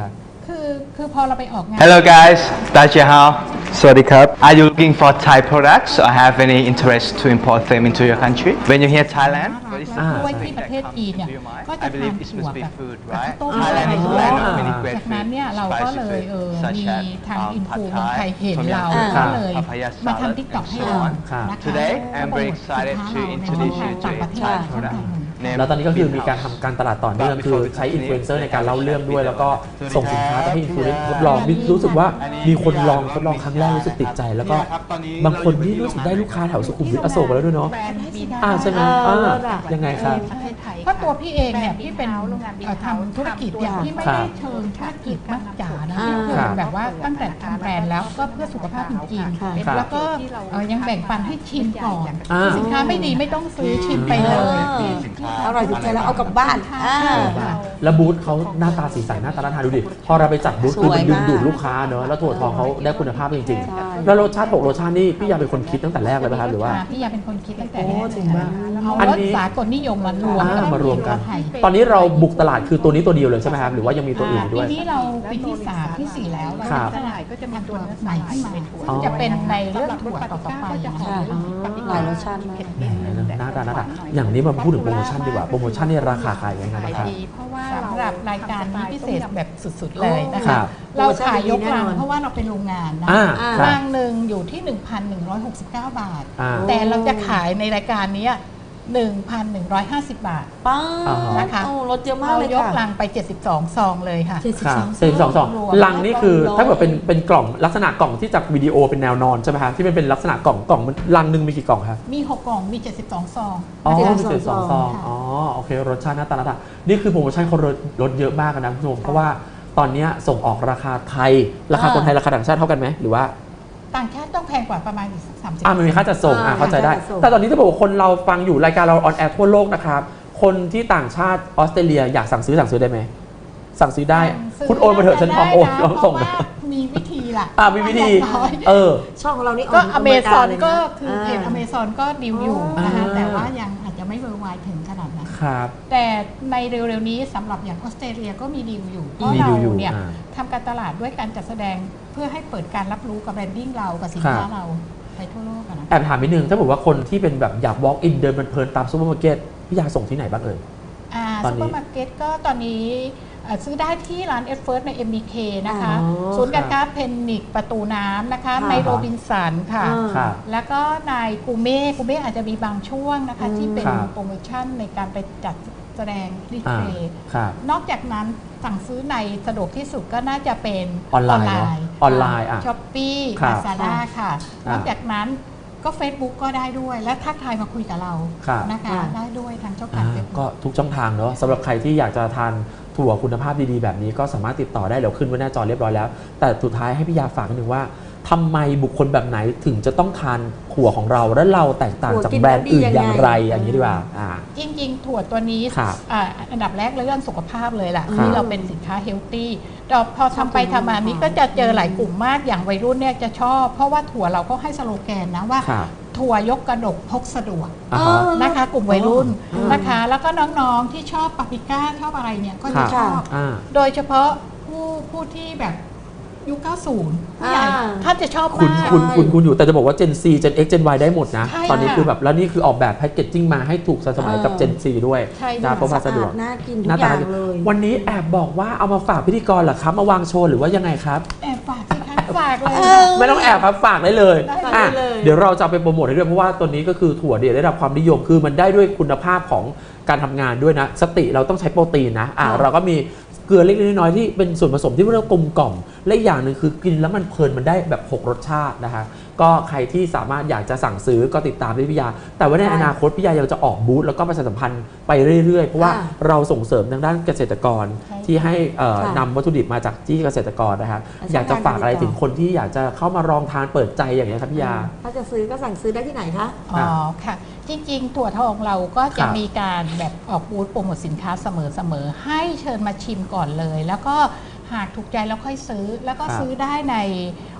Speaker 3: คือคือพอเราไปออกงาน
Speaker 4: Hello guys, Dajia Hao. Sawadee Are you looking for Thai products or have any interest to import them into your country? When you hear Thailand, what is
Speaker 3: อ่า
Speaker 4: something
Speaker 3: ที่ประ
Speaker 4: that
Speaker 3: เทศ
Speaker 4: comes
Speaker 3: จีนเนี่ย
Speaker 4: into your mind?
Speaker 3: ก็
Speaker 4: I
Speaker 3: จะทาน
Speaker 4: believe it's
Speaker 3: ถั่ว
Speaker 4: supposed to
Speaker 3: แบ
Speaker 4: be
Speaker 3: บ
Speaker 4: food,
Speaker 3: กับ
Speaker 4: right?
Speaker 3: ข้าวต้ม
Speaker 4: Thailand is a land of many great
Speaker 3: จากนั้นเนี่ย
Speaker 4: foods,
Speaker 3: เราก็
Speaker 4: spicy
Speaker 3: เลยเออ
Speaker 4: food, such
Speaker 3: มี
Speaker 4: as
Speaker 3: ทาง
Speaker 4: um,
Speaker 3: อินฟู
Speaker 4: pad
Speaker 3: เมืองไทย
Speaker 4: thai,
Speaker 3: เห็น
Speaker 4: tom
Speaker 3: เรา
Speaker 4: yum
Speaker 3: ก็
Speaker 4: goong,
Speaker 3: เลย
Speaker 4: papaya
Speaker 3: มาทำ
Speaker 4: salad,
Speaker 3: ติ๊กต็อก
Speaker 4: and
Speaker 3: ให้
Speaker 4: so
Speaker 3: เรา
Speaker 4: on.
Speaker 3: นะคะ
Speaker 4: Today, I'm
Speaker 3: โปร
Speaker 4: very
Speaker 3: โมทสิน
Speaker 4: excited
Speaker 3: ค้า
Speaker 4: to
Speaker 3: เราในช่อง
Speaker 4: introduce
Speaker 3: ทาง
Speaker 4: you
Speaker 3: ต่าง
Speaker 4: to
Speaker 3: ป
Speaker 4: a
Speaker 3: ระเทศ
Speaker 4: Thai
Speaker 3: ช่อง
Speaker 4: product
Speaker 3: ทางหนึ่ง
Speaker 4: named
Speaker 1: แล้วตอนนี้ก็คือ
Speaker 4: Bin
Speaker 1: มีการ
Speaker 4: House.
Speaker 1: ทำการตลาดต่อเนื่องคือใช้อินฟลูเอนเซอร์ในการเล่าเรื่องด้วย แล้วก็ส่งสินค้าไปให้อินฟลูเอนเซอร์ทดลองนี่รู้สึกว่ามีคนลองทดลองครั้งแรกรู้สึกติดใจ แล้วก็บางคนที่รู้สึกได้ลูกค้าแถวสุขุมวิทอโศกไปแล้วด้วยเนาะ
Speaker 3: แบรนด์บี
Speaker 1: อ่าใช่ไหม
Speaker 2: เออ
Speaker 1: อ่า
Speaker 2: เลิศอะ
Speaker 1: ยังไงครับ
Speaker 3: เพราะตัวพี่เองเนี่ยพี่เป็นเอ่อทำธุรกิจเนี่ยพี่ไม่ได้เชิงธุรกิจมากจ๋านะ
Speaker 2: อ่า
Speaker 3: พี่คือแบบว่าตั้งแต่ทำแบรนด์แล้วก็เพื่อสุขภาพจริง
Speaker 2: ค่ะ
Speaker 3: ๆแล้วก็เอ่อยังแบ่งปันให้ชิมก่อน
Speaker 1: อ่า
Speaker 3: สินค้าไม่ดีไม่ต้องซื้อชิมไปเลย
Speaker 2: อร่อยถูกใจแล้วเอากลับบ้านอ่า
Speaker 1: แล้วบูธเขาหน้าตาสีสันหน้าตาน่าทานดูดิ พอเราไปจัดบูธ
Speaker 2: ส
Speaker 1: คือ
Speaker 2: วย
Speaker 1: มันดึง
Speaker 2: มาก
Speaker 1: ดูดลูกค้าเนอะแล้วถั่วทองเขาได้คุณภาพจริง
Speaker 2: ใช่
Speaker 1: ๆ แล้วรสชาติหกรสชาตินี่พี่ยาเป็นคนคิดตั้งแต่แรกเลยไหมครับหรือว่า
Speaker 3: ค่ะพี่ยาเป็นคนคิดตั้งแต่
Speaker 2: โอ้
Speaker 3: แรก
Speaker 2: จริงมาก
Speaker 3: เอา
Speaker 1: อัน
Speaker 3: รส
Speaker 1: นี้
Speaker 3: สากลนิยมมารวม
Speaker 1: อ่ามารวมกัน
Speaker 3: ไทย
Speaker 1: ตอนนี้เราบุกตลาดคือตัวนี้ตัวเดียวเลยใช่ไหมครับ หรือว่ายังมีตัวอื่นด้วย
Speaker 3: ปีนี้เราปีที่สามที่สี่แล้วเรา
Speaker 1: ครับ
Speaker 3: ตลาดก็จะมีตัวใหม่ขึ้นมาซึ่งจะเป็นในเรื่องถั่วต่อๆไปนะคะ
Speaker 2: ค่ะหลายรสชาติมาก
Speaker 1: แหมน่าทานน่าทานอย่างนี้มาพูดถึงโปรโมชั่นดีกว่า โปรโมชั่นนี่ราคาขายยังไงบ้างครับ
Speaker 3: เพราะว่าสำหรับรายการนี้พิเศษแบบสุดๆเลยนะ
Speaker 1: ครั
Speaker 3: คะ
Speaker 1: บ
Speaker 3: เราขายยกลัง
Speaker 2: โปรโมชั่นดีแน่นอน
Speaker 3: เพราะว่าเราเป็นโรงงานนะ
Speaker 1: อ่าครับ
Speaker 3: ลังหนึ่งอยู่ที่ หนึ่งพันหนึ่งร้อยหกสิบเก้า บาท
Speaker 1: อ่า
Speaker 3: แต่เราจะขายในรายการนี้ หนึ่งพันหนึ่งร้อยห้าสิบ บาท
Speaker 2: ป้า
Speaker 1: อ่าฮะ
Speaker 3: นะคะ
Speaker 2: โอ้รสเยอะมาก
Speaker 3: เรา
Speaker 2: เลย
Speaker 3: ยก
Speaker 2: ค่ะ
Speaker 3: ลังไป เจ็ดสิบสอง ซองเลยค่ะ
Speaker 2: เจ็ดสิบ
Speaker 1: ค่ะ
Speaker 2: สอง
Speaker 1: สี่สองสอง
Speaker 3: รวม
Speaker 1: ลังนี่คือ
Speaker 2: ร้อย
Speaker 1: ถ้าเกิดเป็นเป็นกล่องลักษณะกล่องที่จากวิดีโอเป็นแนวนอนใช่ไหมครับที่มันเป็นลักษณะกล่องกล่องมันลังหนึ่งมีกี่กล่องครับ
Speaker 3: มี หก กล่องมี เจ็ดสิบสอง ซอง
Speaker 1: อ๋อ
Speaker 3: นะคะ
Speaker 1: มีเศษสองซอง
Speaker 3: ค่ะ
Speaker 1: อ๋อโอเครสชาติหน้าตาหน้าตานี่คือโปรโมชั่นเขาลดลดเยอะมากนะคุณผู้ชมเพราะว่าตอนเนี้ยส่งออกราคาไทย ราคาคนไทยราคาต่างชาติเท่ากันไหมหรือว่า
Speaker 3: ต่างชาติต้องแพงกว่าประมาณอีกสักสามสิบ
Speaker 1: อ่ามันมีค่าจัดส่งอ่า
Speaker 2: อ่า
Speaker 1: เข้าใจได้
Speaker 2: ค่าจัดส่ง
Speaker 1: แต่ตอนนี้จะบอกว่าคนเราฟังอยู่รายการเราออนแอร์ทั่วโลกนะครับคนที่ต่างชาติออสเตรเลียอยากสั่งซื้อสั่งซื้อได้ไหมสั่งซื้อได้ คุณโอนมาเถอะฉันพร้อมโอน
Speaker 3: ได้
Speaker 1: เรา
Speaker 3: นะ
Speaker 1: ส่ง
Speaker 3: เพ
Speaker 1: นะ
Speaker 3: ราะว่ามีวิธีล่ะ
Speaker 1: อ่ามีวิธี
Speaker 3: อย่างน้อย
Speaker 1: เออ
Speaker 2: ช่องของเรานี่
Speaker 3: ก็
Speaker 2: ก
Speaker 3: อเมซอน
Speaker 2: ลยะ
Speaker 3: ก็คือเพจ
Speaker 2: า
Speaker 3: อเมซอนก็ดีลอยู่นะคะ
Speaker 1: อ่า
Speaker 3: แต่ว่ายังอาจจะไม่เวอร์ไวถึงขนาดนั้น
Speaker 1: ครับ
Speaker 3: แต่ในเร็วๆนี้สำหรับอย่างออสเตรเลียก็มีดีลอยู่เพราะ
Speaker 1: มี
Speaker 3: เรา
Speaker 1: ดีลอยู่
Speaker 3: เนี่ย
Speaker 1: อ่า
Speaker 3: ทำการตลาดด้วยการจัดแสดงเพื่อให้เปิดการรับรู้กับแบรนดิ้งเรากับสินค้า
Speaker 1: ครับ
Speaker 3: เราไปทั่วโลกอะนะ
Speaker 1: แอบถามนิดนึงถ้าบอกว่าคนที่เป็นแบบอยาก walk in เดินเพลินๆตามซูเปอร์มาร์เก็ตพี่ยาส่งที่ไหนบ้างเอ่ย
Speaker 3: อ่า
Speaker 1: ตอน
Speaker 3: ซู
Speaker 1: นี้
Speaker 3: เปอร์มาร์เก็ตก็ตอนนี้เอ่อซื้อได้ที่ร้านเอฟเฟิร์สใน เอ็ม บี เค นะคะ
Speaker 2: อ๋อ
Speaker 3: ศูนย์การค้าเพนนิกประตูน้ำนะคะ
Speaker 2: ค่ะ
Speaker 3: ในโรบินสันค่ะ
Speaker 2: อ่า
Speaker 1: ครับ
Speaker 3: แล้วก็ในกูเม่กูเม่อาจจะมีบางช่วงนะคะ
Speaker 2: อืม
Speaker 3: ที่เป็น
Speaker 1: ครับ
Speaker 3: โปรโมชั่นในการไปจัดแสดงดิส
Speaker 1: อ่า
Speaker 3: เพลย์
Speaker 1: ครับ
Speaker 3: นอกจากนั้นสั่งซื้อในสะดวกที่สุดก็น่าจะเป็น
Speaker 1: ออนไลน์เนอะออนไลน์อ่ะ
Speaker 3: ช้อปปี้
Speaker 1: ครั
Speaker 3: ลา
Speaker 1: บ
Speaker 3: ซาด้าค่ะ
Speaker 1: อ่าน
Speaker 3: อกจากนั้นก็ Facebook ก็ได้ด้วย และทักทายมาคุยกับเรา
Speaker 1: ครับ
Speaker 3: นะคะ
Speaker 2: อ่า
Speaker 3: ได้ด้วยทางช่องทา
Speaker 1: อ่าง
Speaker 3: เฟซบุ๊ก
Speaker 1: ก็ทุกช่องทางเนอะสำหรับใครที่อยากจะทานถั่วคุณภาพดีๆ แบบนี้ก็สามารถติดต่อได้เดี๋ยวขึ้นไว้หน้าจอเรียบร้อยแล้ว แต่สุดท้ายให้พี่ยาฝากนิดนึงว่าทำไมบุคคลแบบไหนถึงจะต้องทานถั่วของเราและเราแตกต่างจากแบรนด์อื่นอย่างไรอย่างนี้ดีกว่าอ่า
Speaker 3: จริงๆ ถั่วตัวนี้
Speaker 1: ครับ
Speaker 3: อ่าอันดับแรกเรื่องสุขภาพเลยแหละ
Speaker 1: ครับ
Speaker 3: ที่เราเป็นสินค้าเฮลตี้แต่พอทำไปทำมานี้ก็จะเจอหลายกลุ่มมากอย่างวัยรุ่นเนี่ยจะชอบ เพราะว่าถั่วเราก็ให้สโลแกนนะว่า
Speaker 1: ครับ
Speaker 3: ถั่วยกกระดกพกสะดวก
Speaker 1: อ่าฮะ
Speaker 3: นะคะ กลุ่มวัยรุ่น
Speaker 2: อ๋อ
Speaker 3: นะคะ แล้วก็น้องๆที่ชอบปาปริก้าชอบอะไรเนี่ยก็จะ
Speaker 1: ครับ
Speaker 3: ชอบ
Speaker 1: อ่า
Speaker 3: โดยเฉพาะผู้ผู้ที่แบบยุค เก้าสิบ ผู้ใหญ่
Speaker 2: อ่า
Speaker 3: ท่านจะชอบ
Speaker 1: คุณ
Speaker 3: มาก
Speaker 1: คุณคุณคุณอยู่แต่จะบอกว่า Gen C Gen X Gen Y ได้หมดนะ
Speaker 3: ใช่
Speaker 1: ตอนนี้
Speaker 3: ค่ะ
Speaker 1: คือแบบแล้วนี่คือออกแบบแพคเกจจิ้งมาให้ถูกสมัยกับ
Speaker 2: เออ
Speaker 1: Gen C ด้วย
Speaker 3: ใช่
Speaker 1: นะ
Speaker 3: ค่ะ
Speaker 1: เพราะว่าสะดวก
Speaker 2: น่ากินทุ
Speaker 1: หน้าก
Speaker 2: อ
Speaker 1: ตา
Speaker 2: ย่าง
Speaker 1: ดี
Speaker 2: เลย
Speaker 1: วันนี้แอบบอกว่าเอามาฝากพิธีกรเหรอครับ มาวางโชว์หรือว่ายังไงครับ
Speaker 3: แอบฝากสิคะฝากเลย
Speaker 2: เอ
Speaker 3: ค่ะ
Speaker 2: อ
Speaker 1: ไม่ต้องแอบครับฝากได้เลย
Speaker 3: ได้
Speaker 1: อ่ะ
Speaker 2: เลย
Speaker 1: เดี๋ยวเราจะเอาไปโปรโมทให้ด้วยเพราะว่าตัวนี้ก็คือถั่วเดียวได้รับความนิยมคือมันได้ด้วยคุณภาพของการทำงานด้วยนะ สติเราต้องใช้โปรตีนนะอ่ะ
Speaker 2: ค่ะ
Speaker 1: เราก็มีเกลือเล็กๆน้อยๆที่เป็นส่วนผสมที่เรียกว่ากลมกล่อมและอีกอย่างหนึ่งคือกินแล้วมันเพลินมันได้แบบหกรสชาตินะคะก็ใครที่สามารถอยากจะสั่งซื้อก็ติดตามได้พี่ยา แต่ว่าในอนาคตพี่ยายังจะออกบูธแล้วก็ประชาสัมพันธ์ไปเรื่อยๆเพราะว่า
Speaker 2: ค่ะ
Speaker 1: เราส่งเสริมทางด้านเกษตรกร
Speaker 3: ใช่
Speaker 1: ที่ให้เอ่อ
Speaker 2: ค่ะ
Speaker 1: นำวัตถุดิบมาจากที่เกษตรกรนะคะ
Speaker 2: แล้ว
Speaker 1: อยากจะฝากอะไร
Speaker 2: ช่องทางการติดต่อ
Speaker 1: ถึงคนที่อยากจะเข้ามาลองทานเปิดใจอย่างนี้ยครับพี่ยา
Speaker 2: ถ้าจะซื้อก็สั่งซื้อได้ที่ไหนคะ
Speaker 3: อ๋อค่ะ จริงๆ ถั่วทองเราก็จะ
Speaker 1: ครับ
Speaker 3: มีการแบบออกบูธโปรโมทสินค้าเสมอๆ ให้เชิญมาชิมก่อนเลย แล้วก็หากถูกใจแล้วค่อยซื้อ แล้วก็
Speaker 1: ครับ
Speaker 3: ซื้อได้ใน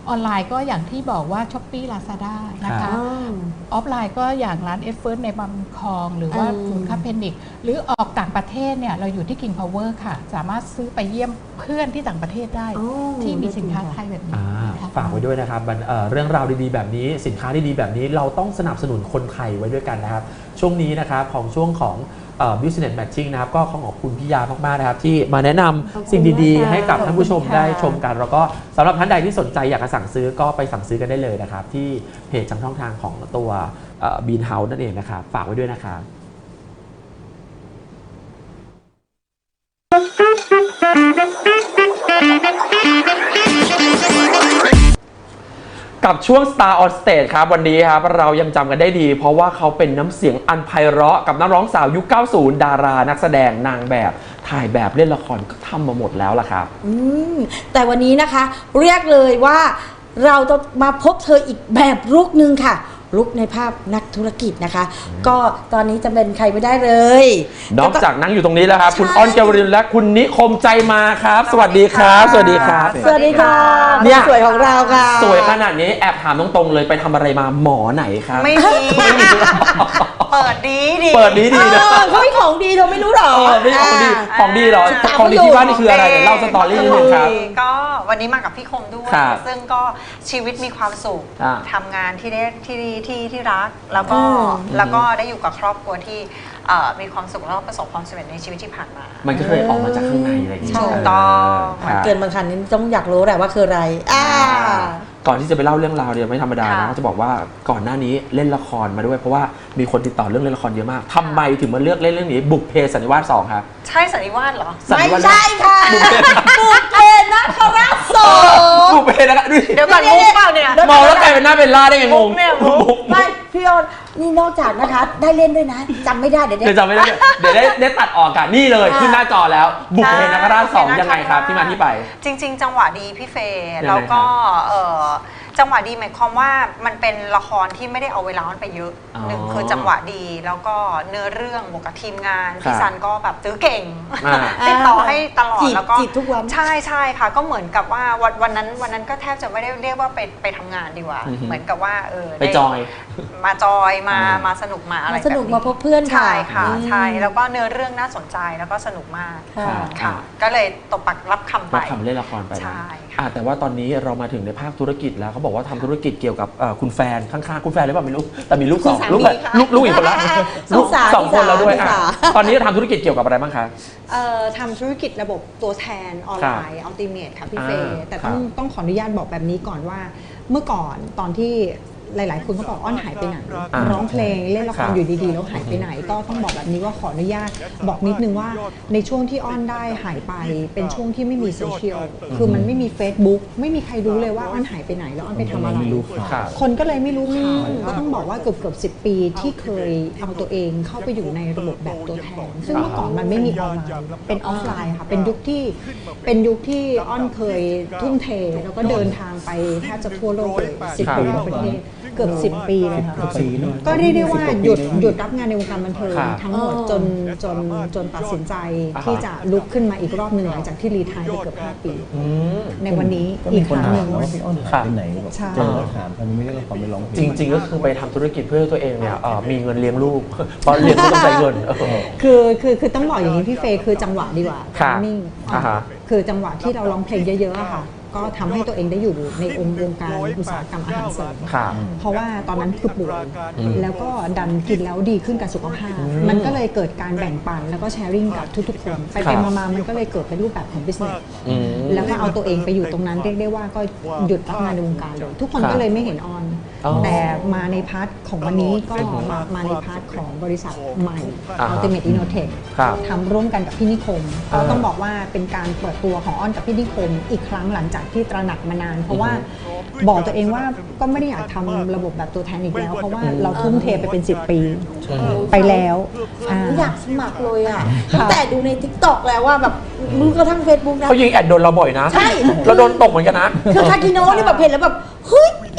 Speaker 3: ออนไลน์ก็อย่างที่บอกว่า Shopee Lazada นะคะ
Speaker 2: อ๋อ
Speaker 3: ออฟไลน์ก็อย่างร้านเอฟเฟิร์สในบางคลอง หรือว่า
Speaker 2: อืม
Speaker 3: ศูนย์ค้าเพนิกหรือออกต่างประเทศเนี่ยเราอยู่ที่ King Power ค่ะ สามารถซื้อไปเยี่ยมเพื่อนที่ต่างประเทศได้
Speaker 2: อ๋อ
Speaker 3: ที่มีสินค้าไทยแบบนี้
Speaker 1: อ่า
Speaker 3: ค่ะ
Speaker 1: ฝากไว้ด้วยนะครับมันเอ่อเรื่องราวดีๆแบบนี้สินค้าดีๆแบบนี้เราต้องสนับสนุนคนไทยไว้ด้วยกันนะครับช่วงนี้นะครับของช่วงของเอ่อ business matching นะครับก็ขอขอบคุณพี่ยามากๆนะครับที่มาแนะนำสิ่งดีๆ ให้กับท่านผู้ชมได้ชมกัน แล้วก็สำหรับท่านใดที่สนใจอยากจะสั่งซื้อก็ไปสั่งซื้อกันได้เลยนะครับที่เพจทางช่องทางของตัวบีนเฮาส์นั่นเองนะครับฝากไว้ด้วยนะครับ กับช่วง Star on Stage ครับวันนี้ครับเรายังจำกันได้ดี เพราะว่าเขาเป็นน้ำเสียงอันไพเราะกับนักร้องสาวยุค เก้าสิบ ดารานักแสดงนางแบบถ่ายแบบเล่นละครก็ทำมาหมดแล้วล่ะครับ
Speaker 2: อืมแต่วันนี้นะคะเรียกเลยว่าเราจะมาพบเธออีกแบบลุกหนึ่งค่ะลุกในภาพนักธุรกิจนะคะ ก็ตอนนี้จะเป็นใครไม่ได้เลย
Speaker 1: นอกจากนั่งอยู่ตรงนี้แล้วครับ
Speaker 2: ใช่
Speaker 1: คุณอ้อนเกวรินและคุณนิคมใจมาครับ สวัสดีครับ สวัสดีครับ
Speaker 2: สวัสดีค่ะ
Speaker 1: เนี่ย
Speaker 2: คนสวยของเราค่ะ
Speaker 1: สวยขนาดนี้แอบถามตรงๆเลยไปทำอะไรมาหมอไหนครับ
Speaker 5: ไม่มี เปิดดีดี
Speaker 1: เปิดดี
Speaker 2: เอ
Speaker 1: ดีนะ
Speaker 2: อเขาไม่ของดีเราไม่รู้หรอ
Speaker 1: เออไม่ของดี
Speaker 2: า
Speaker 1: ของดีเหรอ
Speaker 2: ตาม
Speaker 1: ของดี
Speaker 2: เขาอยู่
Speaker 1: ที่บ้านนี่คืออะไรเดี๋ยวเล่าสตอรี่นิดนึงครับ
Speaker 5: ก็วันนี้มากับพี่คมด้วย
Speaker 1: ครับ
Speaker 5: ซึ่งก็ชีวิตมีความสุข
Speaker 1: อ่า
Speaker 5: ทำงานที่ได้ที่ที่ที่รัก แล้วก็
Speaker 2: อืม
Speaker 5: แล้วก็ได้อยู่กับครอบครัวที่เอ่อมีความสุขแล้วก็ประสบความสำเร็จในชีวิตที่ผ่านมา
Speaker 1: มันก็เคยออกมาจากข้างในอะไรอย่างเงี้ย
Speaker 5: ถูกต้อง
Speaker 1: ครับ
Speaker 2: เกินบางคันนี้ต้องอยากรู้แหละว่าคืออะไรอ่า
Speaker 1: ก่อนที่จะไปเล่าเรื่องราวเนี่ยไม่ธรรมดานะ
Speaker 5: ค่ะ
Speaker 1: ก็จะบอกว่าก่อนหน้านี้เล่นละครมาด้วย เพราะว่ามีคนติดต่อเรื่องเล่นละครเยอะมากทำไมถึงมาเลือกเล่นเรื่องนี้บุกเพสันนิวาสสองครับ
Speaker 5: ใช่สันนิวาสเหรอ
Speaker 1: สัน
Speaker 2: ไม่
Speaker 1: นิวาส
Speaker 2: ใช่ค่ะ
Speaker 1: บุกเพ
Speaker 2: บุกเพนะคราชสอง
Speaker 1: บุกเพนะครับดูดิ
Speaker 5: เดี๋ยวก่อนมุกเปล่าเนี่ย
Speaker 1: มองแล้วกลายเป็นหน้าเป็นล่าได้ไงงง
Speaker 5: มุกเนี่ยมุก
Speaker 1: มุก
Speaker 2: ไม่พี่ออนนี่นอกจากนะคะ ได้เล่นด้วยนะจำไม่ได้เดี๋ยว
Speaker 1: เดี๋ยว
Speaker 2: เดี๋ยว
Speaker 1: จำไม่ได้เดี๋ยวได้ได้ตัดออกกันนี่เลย
Speaker 2: ค่ะ
Speaker 1: ขึ้นหน้าจอแล้ว บุกเพนักราชสอง
Speaker 5: ใช่
Speaker 1: ยังไงครับที่มาที่ไป
Speaker 5: จริง ๆ จังหวะดีพี่เฟย์
Speaker 1: ยังไง
Speaker 5: แล้วก็
Speaker 1: ครับ
Speaker 5: เอ่อจังหวะดีหมายความว่ามันเป็นละครที่ไม่ได้เอาเวลามันไปเยอะ
Speaker 1: อ๋อ
Speaker 5: หนึ่งคือจังหวะดีแล้วก็เนื้อเรื่องบวกกับทีมงาน
Speaker 1: ครับ
Speaker 5: พี่ซันก็แบบตื้อเก่ง
Speaker 1: อ่า
Speaker 5: ติดต่อให้ตลอด
Speaker 2: จีบ
Speaker 5: แล้วก็
Speaker 2: จีบทุกวัน
Speaker 5: ใช่ใช่ค่ะ ก็เหมือนกับว่าวันวันนั้นวันนั้นก็แทบจะไม่ได้เรียกว่าไปไปทำงานดีกว่า
Speaker 1: อือฮึ
Speaker 5: เหมือนกับว่าเออ
Speaker 1: ไป
Speaker 5: ด้
Speaker 1: จอย
Speaker 5: มาจอยมา
Speaker 1: อ่าม
Speaker 5: มาสนุกมาอะไร
Speaker 2: มาสนุก
Speaker 5: แบบ
Speaker 2: มาพบเพื่อนค่ะ
Speaker 5: ใช่ค่ะ
Speaker 2: อืม
Speaker 5: ใช่แล้วก็เนื้อเรื่องน่าสนใจแล้วก็สนุกมาก
Speaker 2: ค่ะ
Speaker 5: ค่ะ ก็เลยตบปักรับคำไป
Speaker 1: มาทำเล่นละครไปนะ
Speaker 5: ใช่ค่ะ
Speaker 1: อ่ะแต่ว่าตอนนี้เรามาถึงในภาคธุรกิจแล้วเขาบอกว่าทำธุรกิจเกี่ยวกับเอ่อคุณแฟนข้างๆคุณแฟนหรือเปล่าไม่รู้แต่มีลูกสอง
Speaker 2: คุณสามี
Speaker 1: ลูก
Speaker 2: ค่ะ
Speaker 1: ลูกลูกอีกคนละ
Speaker 2: ส
Speaker 1: ลู
Speaker 2: ง
Speaker 1: ก
Speaker 2: สาร
Speaker 1: สองคนแล้วด้วย
Speaker 2: สง
Speaker 1: อ่ะ
Speaker 2: สาร
Speaker 1: ตอนนี้ทำธุรกิจเกี่ยวกับอะไรบ้างคะ
Speaker 6: เอ่อทำธุรกิจระบบตัวแทนออนไลน์อัลติเม e ค่ะพี่เฟ
Speaker 1: อ่า
Speaker 6: ย์แต่ต้อง
Speaker 1: ครับ
Speaker 6: ต้องขออนุญาตบอกแบบนี้ก่อนว่า เมื่อก่อนตอนที่หลาย ๆ คนก็บอกอ้อนหายไปไหน
Speaker 1: อ่า
Speaker 6: ร้องเพลงเล่นละค
Speaker 1: ครั
Speaker 6: ร
Speaker 1: บ
Speaker 6: อยู่ดี ๆ แล้วหายไปไหน ก็ต้องบอกแบบนี้ว่าขออนุญาตบอกนิดนึงว่าในช่วงที่อ้อนได้หายไปเป็นช่วงที่ไม่มีโซเชียลคือมันไม่มี Facebook ไม่มีใครรู้เลยว่าอ้อนหายไปไหนแล้วอ้อนไปทำอะไร
Speaker 1: ครับ
Speaker 6: คนก็เลยไม่รู้ข่าวก็ต้องบอกว่าเกือบเกือบสิบปีที่เคยเอาตัวเองเข้าไปอยู่ในระบบแบบตัวแทน ซึ่งเมื่อก่อนมันไม่มีออนไลน์เป็นออฟไลน์ค่ะ เป็นยุคที่เป็นยุคที่อ้อนเคยทุ่มเท แล้วก็เดินทางไปแทบจะทั่วโลกเลยสิบ
Speaker 1: ครับ
Speaker 6: กว่าประเทศเกือบสิบปีเลยค่ะก็เรียกได้ว่าหยุดหยุดรับงานในวงการบันเทิง
Speaker 1: ครับ
Speaker 6: ทั้งหมดจนจนจนตัดสินใจ
Speaker 1: อ่าฮะ
Speaker 6: ที่จะลุกขึ้นมาอีกรอบหนึ่งหลังจากที่รีไทายไปเกือบห้าปี
Speaker 1: อืม
Speaker 6: ในวันนี้
Speaker 7: ก็
Speaker 6: อี
Speaker 7: มี
Speaker 6: ก
Speaker 7: ค
Speaker 6: คน รั้ง
Speaker 7: ถา
Speaker 6: ห
Speaker 7: ม
Speaker 6: นึ่ง
Speaker 7: ว่าพี่อ้อนหายไปไหนแบบ
Speaker 6: ใช่
Speaker 7: เจอแล้วถามทำไมไม่ได้ละครไปร้องเพลง
Speaker 1: จริงๆก็คือไปทำธุรกิจเพื่อให้ตัวเองเนี่ยเอ่อมีเงินเลี้ยงลูก เพราะเลี้ยงลูกต้องใช้เงินเออ
Speaker 6: คือคือคือต้องบอกอย่างนี้พี่เฟย์คือจังหวะดีกว่า
Speaker 1: ครับ
Speaker 6: นิ่ง
Speaker 1: อ่าฮะ
Speaker 6: คือจังหวะที่เราร้องเพลงเยอะๆอะค่ะ ก็ทำให้ตัวเองได้อยู่ในองค์วงการอุตสาหกรรมอาหารเสริม
Speaker 1: ครับ
Speaker 6: เพราะว่าตอนนั้นคือป่วย
Speaker 1: อืม
Speaker 6: แล้วก็ดันกินแล้วดีขึ้นกับสุขภาพ มันก็เลยเกิดการแบ่งปันแล้วก็แชร์ริ่งกับทุกๆคน ไป
Speaker 1: ครั
Speaker 6: ไป
Speaker 1: บ
Speaker 6: มาๆมันก็เลยเกิดเป็นรูปแบบของ business
Speaker 1: อืม
Speaker 6: แล้วก็เอาตัวเองไปอยู่ตรงนั้นเรียกได้ว่าก็หยุดรับงานในวงการเลย ทุกคน
Speaker 1: ครับ
Speaker 6: ก็เลยไม่เห็นออน
Speaker 1: อ๋อ
Speaker 6: แต่มาในพาร์ทของวันนี้ก็มามาในพาร์ทของบริษัทใหม่
Speaker 1: อ่าฮะ
Speaker 6: Ultimate Innotech
Speaker 1: ครับ
Speaker 6: ทำร่วมกันกับพี่นิคม
Speaker 1: อ่า
Speaker 6: ก็ต้องบอกว่าเป็นการเปิดตัวของอ้อนกับพี่นิคม อีกครั้งหลังจากที่ตระหนักมานาน เพราะว่าบอกตัวเองว่าก็ไม่ได้อยากทำระบบแบบตัวแทนอีกแล้ว เพราะว่าเราทุ่มเทไปเป็นสิบปี ไปแล้วอ่า
Speaker 2: อยากสมัครเลยอ่ะตั้งแต่ดูใน ทิกตอก แล้วว่าแบบรู้กระทั่ง Facebook นะ
Speaker 1: เขายิงแอดโดนเราบ่อยนะ
Speaker 2: ใช่
Speaker 1: เราโดนตกเหมือนกันนะ
Speaker 2: คือคากิโนะนี่แบบเห็นแล้วแบบเฮ้ย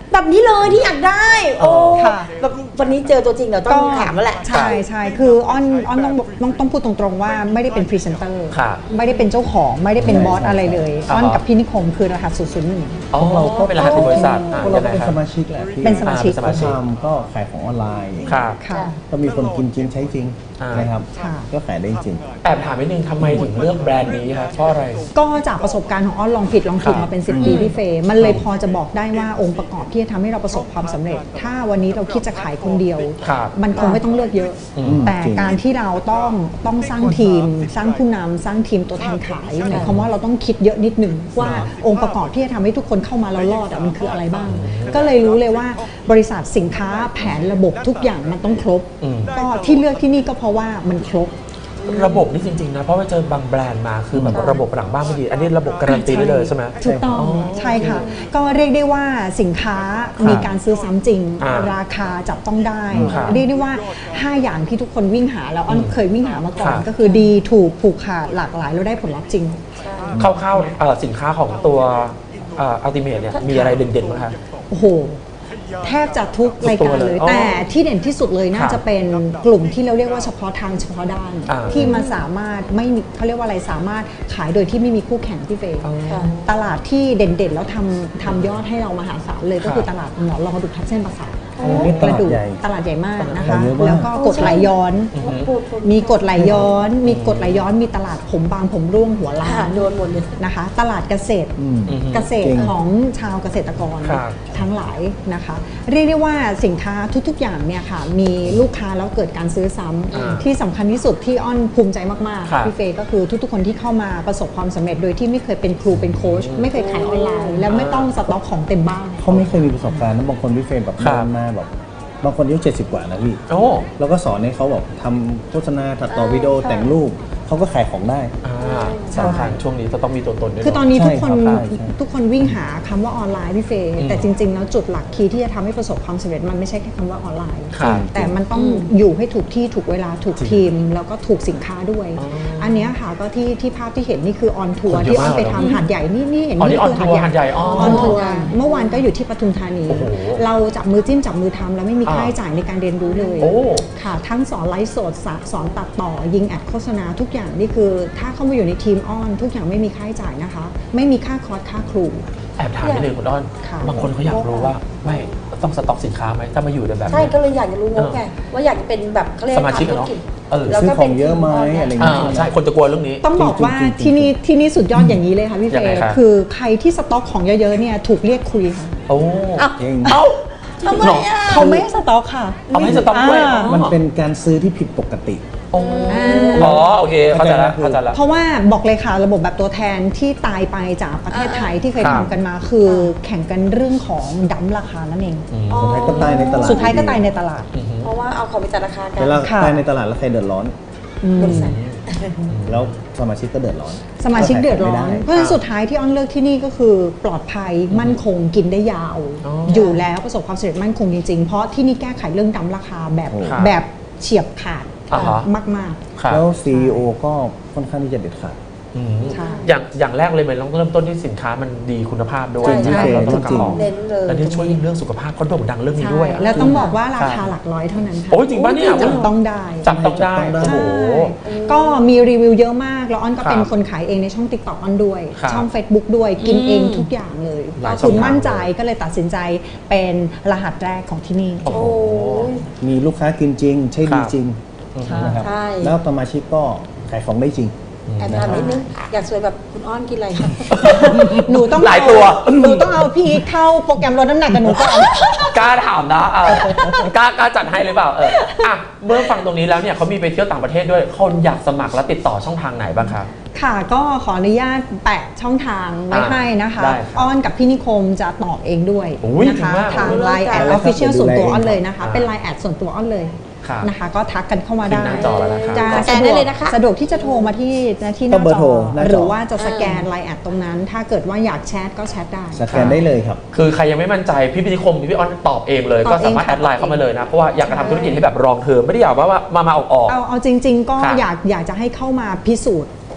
Speaker 2: แบบนี้เลยที่อยากได้โอ้
Speaker 6: ค่ะ
Speaker 2: แบบวันนี้เจอตัวจริงเดี๋ยวต้องถามแล้วแหละ
Speaker 6: ใช่ใช่คืออ้อนอ้อนต้องต้องต้องพูดตรงๆว่าไม่ได้เป็นพรีเซนเตอร์
Speaker 1: ครับ
Speaker 6: ไม่ได้เป็นเจ้าของไม่ได้เป็นบอสอะไรเลย
Speaker 1: อ่าฮะ
Speaker 6: อ้อนกับพี่นิคมคือรหัสศูนย์ศูนย์หนึ่ง
Speaker 1: อ๋อก็เป็นรหัสของบริษัทอ่ะ
Speaker 7: พวกเรา
Speaker 1: ยังไง
Speaker 7: เป็น
Speaker 1: ค
Speaker 7: ส
Speaker 1: รับ
Speaker 7: มาชิกแหละพี่
Speaker 6: เป็นสมาชิก
Speaker 1: อ่าเป็นสมาชิก
Speaker 7: ทำก็ขายของออนไลน์
Speaker 1: ครับ
Speaker 6: ค่ะ
Speaker 7: ก็มีคนกินจริงใช้จริง
Speaker 1: อ่าน
Speaker 7: นะครับ
Speaker 6: ค่ะ
Speaker 7: ก็ขายได้จริง
Speaker 1: แอบถามนิดนึงทำไมถึงเลือกแบรนด์นี้ครับเพราะอะไร
Speaker 6: ก็จากประสบการณ์ของอ้อนลองผิดลองถูก
Speaker 1: ครับ
Speaker 6: มาเป็นสิบปีพี่เฟย์มันเลยพอจะบอกได้ว่าองค์ประกอบที่จะทำให้เราประสบความสำเร็จ ถ้าวันนี้เราคิดจะขายคนเดียว
Speaker 1: ครับ
Speaker 6: มันคงไม่ต้องเลือกเยอะ
Speaker 1: อืม
Speaker 6: แต่
Speaker 7: จริง
Speaker 6: การที่เราต้องต้องสร้างทีม สร้างผู้นำสร้างทีมตัวแทนขายหมายความว่าเราต้องคิดเยอะนิดหนึ่งว่าองค์ประกอบที่จะทำให้ทุกคนเข้ามาแล้วรอดอะมันคืออะไรบ้าง ก็เลยรู้เลยว่าบริษัทสินค้าแผนระบบทุกอย่างมันต้องครบ
Speaker 1: อืม
Speaker 6: ก็ที่เลือกที่นี่ก็เพราะว่ามันครบ
Speaker 1: ระบบนี่จริงๆนะเพราะว่าเจอบางแบรนด์มาคือแบบระบบหลังบ้านไม่ดี อันนี้ระบบการันตีได้เลยใช่ไหม
Speaker 6: ถูกต้องใช่ค่ะ ก็เรียกได้ว่าสินค้า
Speaker 1: ครับ
Speaker 6: มีการซื้อซ้ำจริง
Speaker 1: อ่า
Speaker 6: ราคาจับต้องได้
Speaker 1: ครับ
Speaker 6: เรียกได้ว่า ห้า อย่างที่ทุกคนวิ่งหาแล้วอ้อนเคยวิ่งหามาก่อน
Speaker 1: ครับ
Speaker 6: ก็คือดีถูกผูกขาดหลากหลายแล้วได้ผลลัพธ์จริง
Speaker 1: คร่าวๆเอ่อสินค้าของตัวอัลติเมทเนี่ยมีอะไรเด่นๆบ้างคะ
Speaker 6: โอ้โห แทบจะทุกรายการเลย
Speaker 1: ทุกตัวเลย
Speaker 6: แต่ที่เด่นที่สุดเลยน่า
Speaker 1: ครับ
Speaker 6: จะเป็นกลุ่มที่เราเรียกว่าเฉพาะทางเฉพาะด้าน
Speaker 1: อ่า
Speaker 6: ที่มันสามารถไม่มีเขาเรียกว่าอะไรสามารถขายโดยที่ไม่มีคู่แข่งที่เฟย์
Speaker 1: อ๋อ
Speaker 6: ตลาดที่เด่นๆ แล้วทำทำยอดให้เรามหาศาลเลยก็คือ
Speaker 1: ครับ
Speaker 6: ตลาดหมอนรองกระดูกทับเส้นประสาท
Speaker 7: นี่ต
Speaker 6: ก
Speaker 7: ลา
Speaker 6: ระ
Speaker 7: ด
Speaker 6: ดูก
Speaker 7: ใหญ่
Speaker 6: ตลาดใหญ่มากนะคะ
Speaker 7: เยอะมาก
Speaker 6: แล้วก็กดไหลย้อน
Speaker 2: พูดพูด
Speaker 6: มีกดไหลย้อน มีกดไหลย้อน มีตลาดผมบางผมร่วงหัวล้า
Speaker 2: ค่ะ
Speaker 6: น
Speaker 2: โดนหมดเลย
Speaker 6: นะคะ ตลาดเกษตร
Speaker 7: อืม
Speaker 6: เกษต
Speaker 7: จริ
Speaker 6: รง ของชาวเกษตรกร
Speaker 1: ครับ
Speaker 6: ทั้งหลายนะคะ เรียกได้ว่าสินค้าทุกๆอย่างเนี่ยค่ะมีลูกค้าแล้วเกิดการซื้อซ้ำ
Speaker 1: อ่า
Speaker 6: ที่สำคัญที่สุดที่อ้อนภูมิใจมาก
Speaker 1: ครับ
Speaker 6: ๆพี่เฟย์ก็คือทุกๆคนที่เข้ามาประสบความสำเร็จโดยที่ไม่เคยเป็นครูเป็นโค้ชไม่เคยขายออนไลน์ แล้วไม่ต้องสต็อกของเต็มบ้าน
Speaker 7: เขาไม่เคยมีประสบการณ์นะบางคนพี่เฟรมแบบ
Speaker 1: ครับ
Speaker 7: เดินมาแบบบางคนอายุเจ็ดสิบกว่านะพี่
Speaker 1: โอ้
Speaker 7: แล้วก็สอนให้เขาแบบทำโฆษณาตัดต่อวิดีโอแต่งรูปเขาก็ขายของได้
Speaker 1: อ่าสำคัญช่วงนี้จะต้องมีตัวตนด้วย
Speaker 6: คือตอนนี้ทุกคน
Speaker 7: ใช่ครับใช่
Speaker 6: ทุกคนวิ่งหาคำว่าออนไลน์พี่เฟย์
Speaker 1: อืม
Speaker 6: แต่จริง ๆ แล้วจุดหลักคีย์ที่จะทำให้ประสบความสำเร็จมันไม่ใช่แค่คำว่าออนไลน์
Speaker 1: ครับ
Speaker 6: แต่มันต้องอยู่ให้ถูกที่ถูกเวลาถูกทีม แล้วก็ถูกสินค้าด้วย
Speaker 1: อ๋ออั
Speaker 6: อันเนี้ยค่ะก็ที่ที่ภาพที่เห็นนี่คือออนทัวร์
Speaker 1: คนเยอะ
Speaker 6: ที่ออนไป
Speaker 1: มาก
Speaker 6: ทำหาดใหญ่นี่นี่เห็น
Speaker 1: อ๋อนี่
Speaker 6: คื
Speaker 1: on tour หาดใหญ่อ๋อ
Speaker 6: ออนทัวร์เมื่อวานก็อยู่ที่ปทุมธานี
Speaker 1: โอ้โห
Speaker 6: เราจับมือจิ้มจับมือทำแล้วไม่มี
Speaker 1: อ่า
Speaker 6: ค่าใช้จ่ายในการเรียนรู้เลย
Speaker 1: โอ้
Speaker 6: ค่ะทั้งสอนไลฟ์สดสะสอนตัดต่อยิงแอดโฆษณาทุกอย่างนี่คือถ้าเข้ามาอยู่ในทีมอ้อนทุกอย่างไม่มีค่าใช้จ่ายนะคะ ไม่มีค่าคอร์สค่าครู
Speaker 1: แอบถามนิดนึงคุณอ้อน
Speaker 6: ค่ะ
Speaker 1: บางคนเขาอยากรู้ว่าไม่ต้องสต็อกสินค้าไหมถ้ามาอยู่ในแบบ
Speaker 2: ใช่
Speaker 1: นี้
Speaker 2: ก็เลยอยากจะรู้งบไงว่าอยากจะเป็นแบบเขาเรียก
Speaker 1: สมาชิกอะเนาะ
Speaker 2: ทำธุรจ
Speaker 1: เออ
Speaker 2: แล้ว
Speaker 7: ซื้อ
Speaker 2: ก็
Speaker 7: ของเยอะไหมอะไรอย่าง
Speaker 1: อ่า
Speaker 7: เงี้ย
Speaker 1: ใช่คนจะกลัวเรื่องนี้
Speaker 6: ต้องบอกว่า
Speaker 7: จริงๆ
Speaker 6: ที่นี่ที่นี่สุดยอดอย่างนี้เลยค่ะพี่เฟ
Speaker 1: ยังไง
Speaker 6: ย์
Speaker 1: ครับ
Speaker 6: คือใครที่สต็อกของเยอะๆเนี่ยถูกเรียกคุยค่ะ
Speaker 1: โอ้
Speaker 7: จริง
Speaker 1: เอ้า
Speaker 2: ทำไมอ่ะ
Speaker 6: เขาไม่ให้สต็อกค่ะ
Speaker 1: เอาไม่ให้สต็อกด้วย
Speaker 6: อ่า
Speaker 7: มันเป็นการซื้อที่ผิดปกติ
Speaker 1: โอ้อ๋อโอเคเข้าใจแล้วเข้าใจแล้ว
Speaker 6: เพราะว่าบอกเลยค่ะระบบแบบตัวแทนที่ตายไปจากประเทศไทยที่เคย
Speaker 1: ครับ
Speaker 6: ทำกันมา คือแข่งกันเรื่องของดั้มราคานั่นเอง
Speaker 2: อ๋อ
Speaker 7: สุดท้ายก็ตายในตลาด
Speaker 6: สุดท้ายก็ตายในตลาด
Speaker 2: เพราะว่าเอาของไปจัดราคากัน
Speaker 7: เวลา
Speaker 6: ค่ะ
Speaker 7: ตายในตลาดแล้วใครเดือดร้อน
Speaker 2: บริษัท
Speaker 7: แล้วสมาชิกก็เดือดร้อน
Speaker 6: สมาชิกเดือดร้อน
Speaker 7: ก็ขายไม่ไ
Speaker 6: เพราะฉะนั้นสุดท้ายที่อ้อนเลือกที่นี่ก็คือปลอดภัยมั่นคงกินได้ยาว
Speaker 1: อ๋อ
Speaker 6: อ
Speaker 1: อยู่
Speaker 6: แล้วประสบความสำเร็จมั่นคงจริงๆ เพราะที่นี่แก้ไขเรื่องดั้มราคาแบบ
Speaker 1: ครับ
Speaker 6: แบบเฉียบขาด
Speaker 1: อ่าฮะ
Speaker 6: มาก
Speaker 1: ครับ
Speaker 7: แล้ว ซี อี โอ ก็ค่อนข้างที่จะเด็ดขาด
Speaker 1: อืม
Speaker 6: ใช่
Speaker 1: อย่างอย่างแรกเลยมันต้องเริ่มต้นที่สินค้ามันดีคุณภาพด้วย
Speaker 2: ใช่ใช่
Speaker 1: แล้วต้อง
Speaker 7: จริงๆ
Speaker 1: ของ
Speaker 2: เน้นเลย
Speaker 1: แล้วที่ช่วยเรื่องสุขภาพก็โด่งดังเรื่อง
Speaker 6: ๆ
Speaker 1: นี้
Speaker 6: ใช่
Speaker 1: ด้วยอะ
Speaker 6: แล้วต้องบอกว่ารา
Speaker 1: ค
Speaker 6: คา
Speaker 1: รับ
Speaker 6: หลักร้อยเท่านั้นค่ะ
Speaker 1: โอ้ยจริงป่ะเนี่ย
Speaker 6: จับต้องได้
Speaker 1: จับต้องได้
Speaker 7: จับต้องได้
Speaker 1: โอ้โห
Speaker 6: ใช่ก็มีรีวิวเยอะมาก แล้วอ้อนก็เป็น
Speaker 1: ครับ
Speaker 6: คนขายเองในช่อง TikTok อ้อนด้วย
Speaker 1: ครับ
Speaker 6: ช่อง Facebook ด้วยกิน
Speaker 2: อืม
Speaker 6: เองทุกอย่างเลย
Speaker 1: หลาย
Speaker 6: ก็
Speaker 1: ช่
Speaker 6: คุ
Speaker 1: อง
Speaker 6: ณ
Speaker 1: ทาง
Speaker 6: มั่นใจก็เลยตัดสินใจเป็นรหัสแรกของที่นี่
Speaker 1: โอ้โห
Speaker 2: โอ้ย
Speaker 7: มีลูกค้ากินจริง ใช่ดี
Speaker 1: ครับ
Speaker 7: จริง
Speaker 6: ใช่
Speaker 7: นะครับ
Speaker 2: ใช่
Speaker 7: แล้วสมาชิกก็ขายของได้จริง
Speaker 2: แอบถามนิดนึงอยากสวยแบบคุณอ้อนกินอะไรคะ
Speaker 6: หนูต้อง
Speaker 1: หลายตัว
Speaker 6: เอหนูต้องเอาพี่อีทเข้าโปรแกรมลดน้ำหนักกับหนูก่อน
Speaker 1: กล้าถามนะเออกล้ากล้าจัดให้หรือเปล่าเอออ่ะเมื่อฟังตรงนี้แล้วเนี่ยเขามีไปเที่ยวต่างประเทศด้วยคนอยากสมัครและติดต่อช่องทางไหนบ้างครับ
Speaker 6: ค่ะก็ขออนุญาตแปะช่องทางไว้
Speaker 1: อ่า
Speaker 6: ให้นะคะ
Speaker 1: ได้ครับ
Speaker 6: อ้อนกับพี่นิคมจะตอบเองด้วย
Speaker 1: โอ้ย
Speaker 6: นะคะ
Speaker 1: จริงมาก
Speaker 6: ทาง
Speaker 2: โอ้ย
Speaker 6: ไลน์แอด
Speaker 7: ได้
Speaker 6: อ
Speaker 7: เลย
Speaker 6: อฟฟิเชียล
Speaker 7: ครับ
Speaker 6: ส่วนตัว
Speaker 7: เดี๋ยวดูแล
Speaker 6: อ้อนเลยนะคะ
Speaker 1: อ่า
Speaker 6: เป็นไลน์แอดส่วนตัวอ้อนเลย
Speaker 1: ครับ
Speaker 6: นะคะ ก็ทักกันเข้ามา
Speaker 1: ขึ้
Speaker 6: ได้
Speaker 1: นหน้าจอแล้วนะครับ
Speaker 6: จะ
Speaker 2: สแกนได้เลยนะคะ
Speaker 6: สะดวกที่จะโทรมาที่ที่ห
Speaker 7: ก็
Speaker 6: น้า
Speaker 7: เบอ
Speaker 6: จ
Speaker 7: ร์โทร
Speaker 6: อ
Speaker 7: หน้าจอ
Speaker 6: หรือว่าจะสแกนไลน์แอดตรงนั้น ถ้าเกิดว่าอยากแชทก็แชทได้
Speaker 7: สแกนได้เลยครับ
Speaker 1: คือใครยังไม่มั่นใจพี่พิธิคมพี่ออนตอบเองเลย
Speaker 6: ตอบ
Speaker 1: ก็สามารถ
Speaker 6: เองค่ะ
Speaker 1: แอดไลน์เข้ามาเลยนะ เพราะว่าอยากจะทำธุรกิจให้แบบรองเทอมไม่ได้อยากว่าว่ามามาออกออก
Speaker 6: เอาเอาจริง ๆ ก็
Speaker 1: ครับ
Speaker 6: อยากอยากจะให้เข้ามาพิสูจน์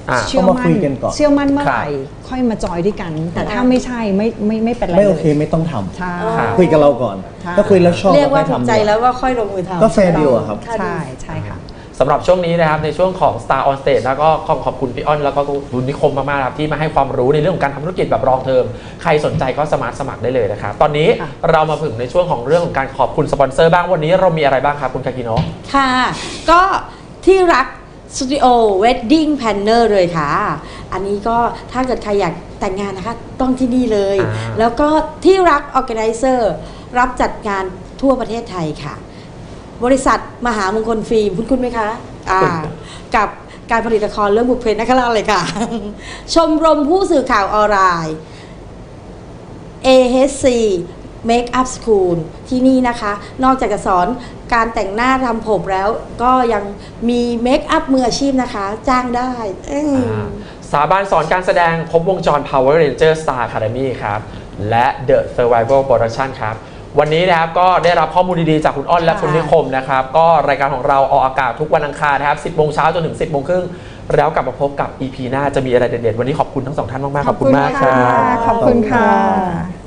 Speaker 1: อ่า
Speaker 6: เชื่อ
Speaker 7: ต้อง
Speaker 6: มั่
Speaker 7: มาคุยกันก่อน
Speaker 6: เชื่อมั่นเมื่อไหร่
Speaker 1: ครับ
Speaker 6: ค่อยมาจอยด้วยกัน แต่ถ้าไม่ใช่ไม่ไม่ไม่เป็นไร
Speaker 7: ไม่โอเค
Speaker 6: ลย
Speaker 7: ไม่ต้องท
Speaker 6: ใช่
Speaker 1: ครับ
Speaker 7: ำคุยกับเราก่อน
Speaker 6: ใช่
Speaker 7: ถ้าคุยแล้วชอบ
Speaker 2: เรียกว่า
Speaker 7: ค่
Speaker 2: ถู
Speaker 7: อ
Speaker 2: ก
Speaker 7: ทำ
Speaker 2: ใจแล้วก็ค่อยลงมือทำ
Speaker 7: ก็แฟร์ดีลอะครับ
Speaker 6: ใช่ใช่ค่ะ
Speaker 1: สำหรับช่วงนี้นะครับในช่วงของ Star on Stage แล้วก็ขอบคุณพี่อ้อนแล้วก็คุณนิคมมากๆครับที่มาให้ความรู้ในเรื่องของการทำธุรกิจแบบรองเทอมใครสนใจก็สามารถสมัครได้เลยนะครับตอนนี้
Speaker 6: ค่ะ
Speaker 1: เรามาถึงในช่วงของเรื่องของการขอบคุณสปอนเซอร์บ้างวันนี้เรามีอะไรบ้างครับคุณคากิโนะ
Speaker 2: ค่ะ ก็ที่รักสตูดิโอเวดดิ้งแพนเนอร์เลยค่ะ อันนี้ก็ถ้าเกิดใครอยากแต่งงานนะคะ ต้องที่นี่เลย
Speaker 1: อ่า
Speaker 2: แล้วก็ที่รักออ g a แก z นเซอร์รับจัดงานทั่วประเทศไทยค่ะ บริษัทมหามงคลฟิล์มคุณคุณไหมคะอ่ากับการผลิตละครเรื่องบุพเพนักราชเลยค่ะ ชมรมผู้สื่อข่าวออนไลน์ เอ เอช ซี Makeup School ที่นี่นะคะ นอกจากจะสอนการแต่งหน้าทำผมแล้ว ก็ยังมีเมคอัพมืออาชีพนะคะ จ้างได้อืม
Speaker 1: อ่าสถาบันสอนการแสดงครบวงจร Power Ranger Star Academy ครับ และ The Survival Production ครับ วันนี้นะครับก็ได้รับข้อมูลดีๆจากคุณอ้อนและคุณนิคมนะครับ ก็รายการของเราออกอากาศทุกวันอังคารนะครับ สิบโมงเช้าจนถึง สิบโมงครึ่งแล้วกลับมาพบกับ อี พี หน้าจะมีอะไรเด็ดๆ วันนี้ขอบคุณทั้งสองท่านมากๆ ขอบคุณมากครับ
Speaker 6: ขอบคุณค่ะ